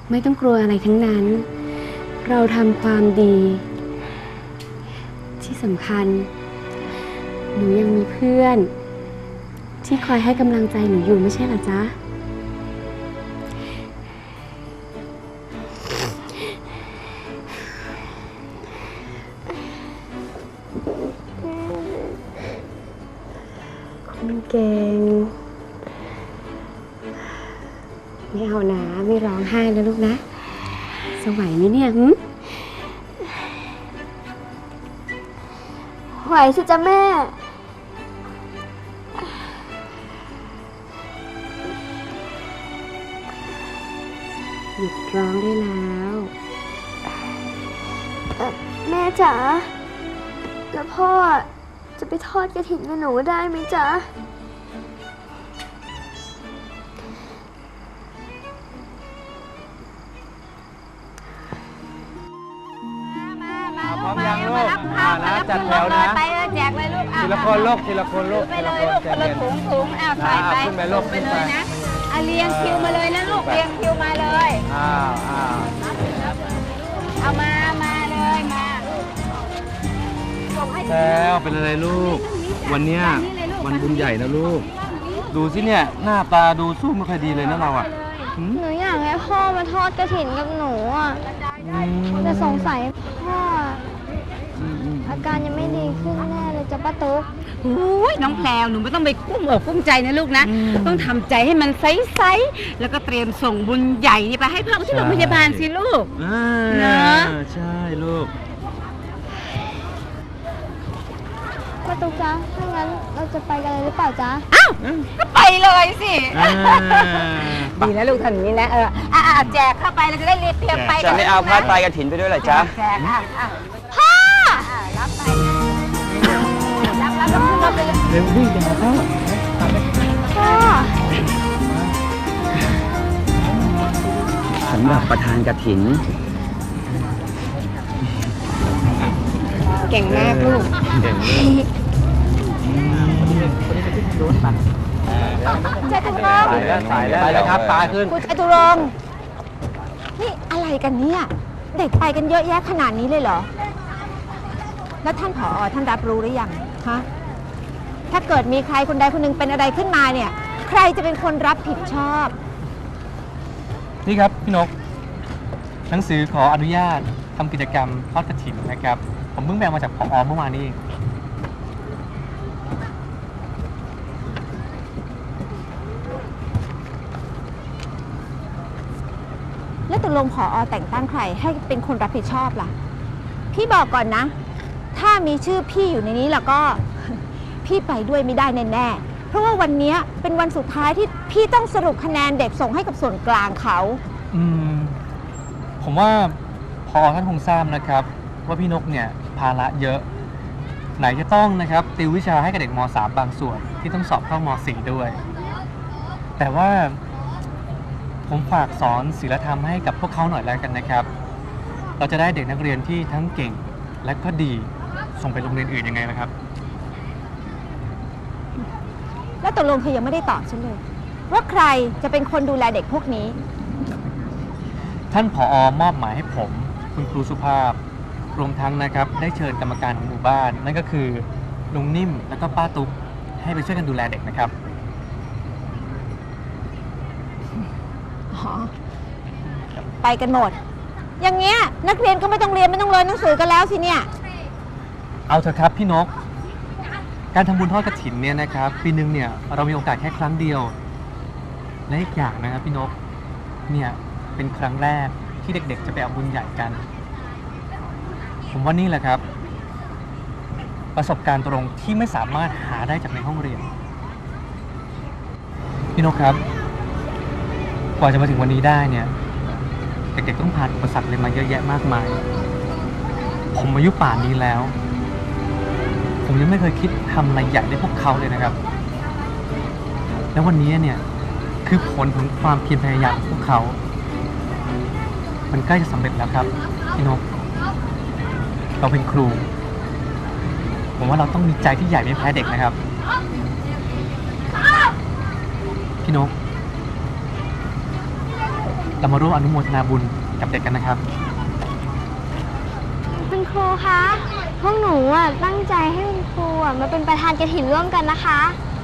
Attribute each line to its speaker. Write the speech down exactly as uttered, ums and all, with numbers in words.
Speaker 1: ไม่ต้องกลัวอะไรทั้งนั้น เราทำความดี ที่สำคัญหนูยังมีเพื่อนที่คอยให้กำลังใจหนูอยู่ไม่ใช่เหรอจ๊ะคุณเก่งไม่เอานะไม่ร้องไห้แล้วลูกนะสวยไหมเนี่ยหึ
Speaker 2: ไหวสิจ๊ะแม่
Speaker 1: หยุดร้องได้แล้ว
Speaker 2: แม่จ๋าแล้วพ่อจะไปทอดกระถิ่นกับหนูได้ไหมจ๊ะ
Speaker 3: พร้อมยังลูกอ่านะจัดแถวนะ
Speaker 4: ไปเลยแจกเลยลูก
Speaker 3: ทีละคนลูกทีละคนลูก
Speaker 4: ไปเลยลูกคนละถุงถุงอ้าวใส่ไป
Speaker 3: ขึ้นไปลูก
Speaker 4: ไปเลยนะอ่ะเรียงคิวมาเลยนะลูกเรียงคิวมาเลย
Speaker 3: อ้าวอ้าว
Speaker 4: เอามามาเลยมา
Speaker 3: แล้วเป็นอะไรลูกวันเนี้ยวันบุญใหญ่นะลูกดูสิเนี่ยหน้าตาดูสู้ไม่ค่อยดีเลยนะเราอ่ะ
Speaker 2: หนูอยากให้พ่อมาทอดกระถิ่นกับหนูอ่ะแต่สงสัยพ่ออาการยังไม่ดีขึ้นแน่เลยจ้ะป้าตุ๊ก
Speaker 4: โอ้ยน้องแพรวหนูไม่ต้องไปกุ้มอกกุ้มใจนะลูกนะต้องทำใจให้มันใสๆแล้วก็เตรียมส่งบุญใหญ่นี่ไปให้พ่อที่โรงพยาบาลสิลูก
Speaker 3: เนาะใช่ลูก
Speaker 2: ป้าตุ๊กจ๊ะถ้างั้นเราจะไปกันเลยหรือเปล่าจ๊ะ
Speaker 4: อ้าวก็ไปเลยสิดีนะลูกทำอย่างนี้นะเอออ่ะแจกเข้าไปเราจะได้รีบเตรียมไป
Speaker 5: จะไม่เอาผ้าไตรกฐินไปด้วยเหรอจ๊ะ
Speaker 4: แจกอ่ะพ่อรับไปรับรับรับไปเลย
Speaker 3: เร็ววิ่งไปหาพ่อ
Speaker 2: พ่อ
Speaker 5: สำหรับประธานกฐิน
Speaker 1: เก่งมากลูก
Speaker 3: เก่งมาก
Speaker 2: จตุรงค์
Speaker 3: สายแล้วสายแล้วไปแล้วครับปลาขึ้น
Speaker 6: คุณจตุรงค์นี่อะไรกันเนี่ยเด็กไปกันเยอะแยะขนาดนี้เลยเหรอแล้วท่านผอ.ท่านรับรู้หรือยังฮะถ้าเกิดมีใครคนใดคนหนึ่งเป็นอะไรขึ้นมาเนี่ยใครจะเป็นคนรับผิดชอบ
Speaker 7: นี่ครับพี่นกหนังสือขออนุญาตทำกิจกรรมทอดกฐินนะครับผมเพิ่งแบ่งมาจากผอ.เมื่อวานนี้เอง
Speaker 6: แล้วตกลงผอ.แต่งตั้งใครให้เป็นคนรับผิดชอบล่ะพี่บอกก่อนนะถ้ามีชื่อพี่อยู่ในนี้แล้วก็พี่ไปด้วยไม่ได้แน่ๆเพราะว่าวันนี้เป็นวันสุดท้ายที่พี่ต้องสรุปคะแนนเด็กส่งให้กับส่วนกลางเขา
Speaker 7: อืมผมว่าผอ.ท่านคงทราบนะครับว่าพี่นกเนี่ยภาระเยอะไหนจะต้องนะครับติววิชาให้กับเด็กม.สาม บางส่วนที่ต้องสอบเข้าม.สี่ ด้วยแต่ว่าผมฝากสอนศีลธรรมให้กับพวกเขาหน่อยแล้วกันนะครับเราจะได้เด็กนักเรียนที่ทั้งเก่งและก็ดีส่งไปโรงเรียนอื่นยังไงนะครับ
Speaker 6: แล้วตกลงเธอยังไม่ได้ตอบฉันเลยว่าใครจะเป็นคนดูแลเด็กพวกนี้
Speaker 7: ท่านผอ.มอบหมายให้ผมคุณครูสุภาพรวมทั้งนะครับได้เชิญกรรมการของหมู่บ้านนั่นก็คือลุงนิ่มและก็ป้าตุ๊กให้ไปช่วยกันดูแลเด็กนะครับ
Speaker 6: ไปกันหมดอย่างเงี้ยนักเรียนก็ไม่ต้องเรียนไม่ต้องเรียนหนังสือกันแล้วสิเนี่ย
Speaker 7: เอาเถอะครับพี่นกการทำบุญทอดกฐินเนี่ยนะครับปีนึงเนี่ยเรามีโอกาสแค่ครั้งเดียวและอีกอย่างนะครับพี่นกเนี่ยเป็นครั้งแรกที่เด็กๆจะไปเอาบุญใหญ่กันผมว่านี่แหละครับประสบการณ์ตรงที่ไม่สามารถหาได้จากในห้องเรียนพี่นกครับกว่าจะมาถึงวันนี้ได้เนี่ยเด็กๆต้องผ่านอุปสรรคเลยมาเยอะแยะมากมายผมอายุป่านนี้แล้วผมยังไม่เคยคิดทำอะไรใหญ่ได้พวกเขาเลยนะครับแล้ววันนี้เนี่ยคือผลของความเพียรพยายามของพวกเขามันใกล้จะสำเร็จแล้วครับพี่นกเราเป็นครูผมว่าเราต้องมีใจที่ใหญ่ไม่แพ้เด็กนะครับพี่นกเรามาร่วมอนุโมทนาบุญกับเด็กกันนะครับ
Speaker 2: คุณครูคะ พวกหนูอ่ะตั้งใจให้คุณครูอ่ะมาเป็นประธานกฐินร่วมกันนะคะ